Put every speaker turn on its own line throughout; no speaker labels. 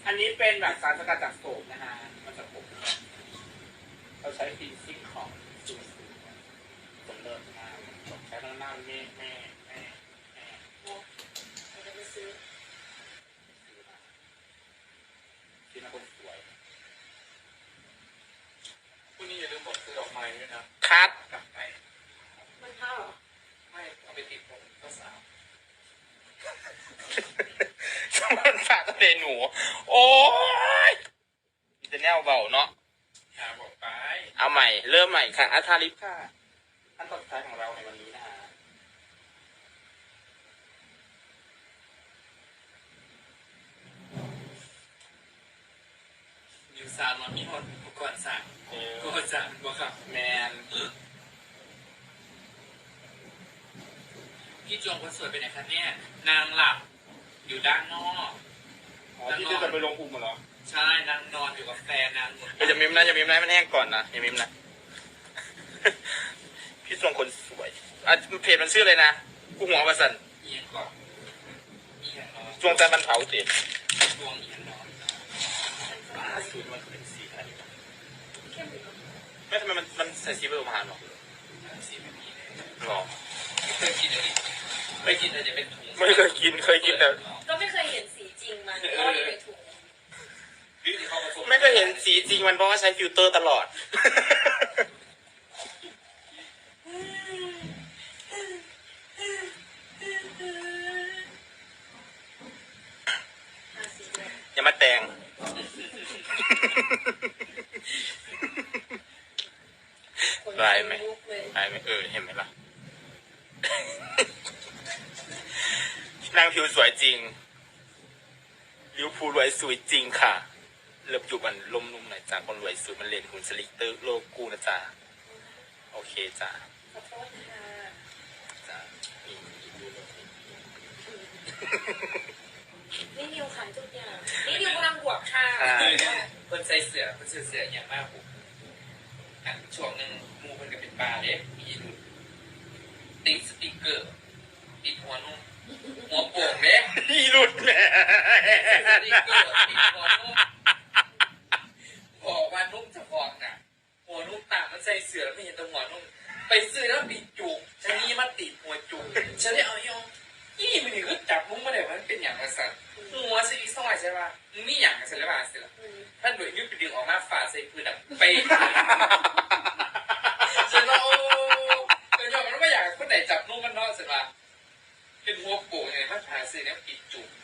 อันนี้เป็นแบบสารสกัดจากโสมนะฮะมันจะผมเราใช้ฟีซิ่งของซูซูสมเลิศมากใช้ทั้งหน้าแม่
จะไปซื้อ
ที่น่าคนสวย
พรุ่งนี้อย่าลืมบอกซื้อดอกไม้ด้วยนะ
คัด
กลับไป
มันเท่าหรอ
ไม่เอาไปติดผมเจ้าสาว
สมันฝากทะเลหนูโอ้ยมีแต่แนวเบาเนาะ
หาบอกไป
เอาใหม่เริ่มใหม่ค่ะอัธาลิปค่ะขั้นตอนสุดท้ายของเราในวันนี้นะฮะ
นิวซานมามีหมดอุปกรณ์สั่งก็สั่งบ่ครับ
แมน
พี่จวงคนสวยเป็นไหนคะเนี่ยนางหลับอยู่ด้านนอก
อ๋อที่จะไปลงภูมิเหรอ
ใช่นางนอนอยู่กับแฟนนางหมด
อย่ามิมนะอย่ามิมนะมันแห้งก่อนนะอย่ามิมนะ พี่ทรงคนสวยอ่ะเพจมันชื่ออะไรนะกูหัวประสัน
เอียงก่อนเอียงนอน
จวงจันทร์บรรเผาเสีย
ดวงเอียงนอน
สูตรมันเป็นสีอะไร
เข้มหรือ
ไม่ทำไมมันใส่สีผสมอาหารหรอ
สีแบบนี้เลย
หรอ
เคยกินอะไรไม่กินอะไรจะเป็นถุง
ไม่เคยกินเคยกินแต่
ก็ไม่เคยเห็นสีจริงมันก็อยู่ในถุง
ที่เขาผสม
ไม่เคยเห็นสีจริงมันเพราะว่าใช้ฟิลเตอร์ตลอด
สีแดง
อย่ามาแต่ง
คน
ลายไหม
ลุกเลย
ได้ไหมเห็นไหมล่ะ นางผิวสวยจริงลิวพูรวยสวยจริงค่ะเลิบอยู่มันลมนุ่มหน่อยจ้าคนรวยสวยมันเล่นหุ่นสลิกเตอร์โลกูนะจ้าโอเคจ้า
ขอโทษค่ะ
จ้า
นี่นิวขายทุกอย่าง นี่นิวกำลังบวกค่ะ
คนใส่เสื้อคนซื้อเสื้ออย่างมากผมช่วงหนึ่งมูมันก็เป็นปลาเล็กมีหลุดติดสติ๊กเกอร์ติดหัวนุ่มหัวโป่งเล็ก
พี่หลุดแม่
สติ๊กเกอร์ติดหัวนุ่มบอกว่านุ่มจะฟองน่ะหัวนุ่มต่างมันใส่เสื้อไม่เห็นตัวหัวนุ่มไปซื้อแล้วติดจุกชะนีมาติดหัวจุกฉันเลยเอายองนี่มันนี่คือจับมุ้งมาเลยมันเป็นอย่างไรสัตว์หัวซีซอยใช่ป่ะมึงมีอย่างกันใช่หรือเปล่าสิล่ะท่านโดยยืดไปดึงออกมาฝาใส่พื้นแบบไปฉันว่าโอ้เดี๋ยวมันไม่อยากคนไหนจับนุ่มมันนอกสิล่ะเป็นหัวโป่งไงมันผ่าซื้อเนี่ยปิดจุก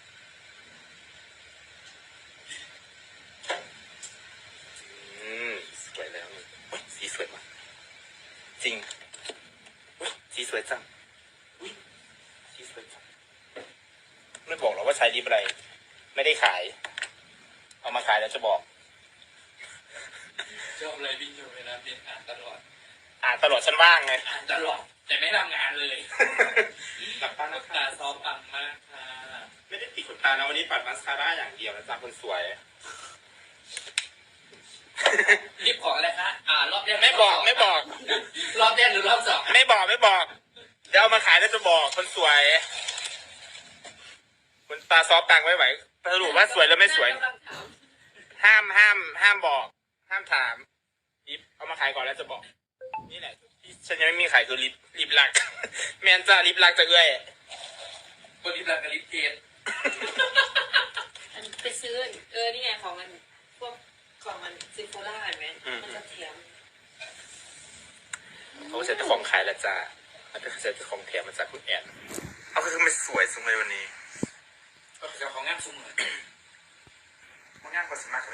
สวยแล้วนี่อุ๊ยสีสวยมากจริงอุ๊ยสีสวยจังอุ๊ยสีสวยจังไม่บอกหรอกว่าใช้ลิปอะไร ไม่ได้ขาย เอามาขายแล้วจะบอก
ชอบอะไรวิ่งอยู่เวลาเรียนอ่านตลอด
อ่านตลอดฉันว่างไง
อ่านตลอดแต่ไม่ทำงานเลย
หลับตา
นั
นะ
ก
คะ
ตาซ้อมปังมากค่ะ
ไม่ได้ติดขนตานะวันนี้ปัดมาสคาร่าอย่างเดียวนะจ๊ะคนสวย
รีบขออะไรคะรอบแรก
ไม่บอก
รอบแรกหรือรอบสอง
ไม่บอกเดี๋ยวเอามาขายแล้วจะบอกคนสวยคนตาซอฟตังไว้ไหวสรุปว่าสวยแล้วไม่สวย
กำลังถาม
ห้ามบอก ห้ามถามลิปเอามาขายก่อนแล้วจะบอก นี่แหละที่ฉันยังไม่มีขายคือลิปลัก แมนจ้าลิปลักจะเอื้อย
คนรีบรักกับรีบเกต
อันไปซื้อนี่ไงของมันพวกของมันซิโฟล่าเห็นไหมมันจะแถม
เขาเสร็จจะของขายแล้วจ้าเขาจะเสร็จจะของแถมมาจากคุณแอนเอาคือไม่สวยสวยวันนี้
ก็จะของงานซุ้มเหมือน
มันง่ายกว่าสมัครเลย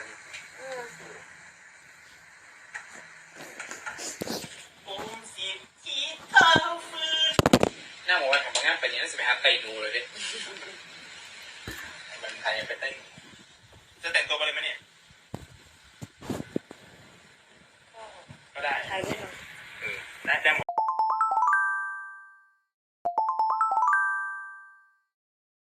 ผมสีจีเท้าฟืน
หน้าบอกว่าของงานไปนี้น่าจะไปหาไก่ดูเลยดิ
มันไทยไปเต้นจะแต่งตัวมาเลยไหม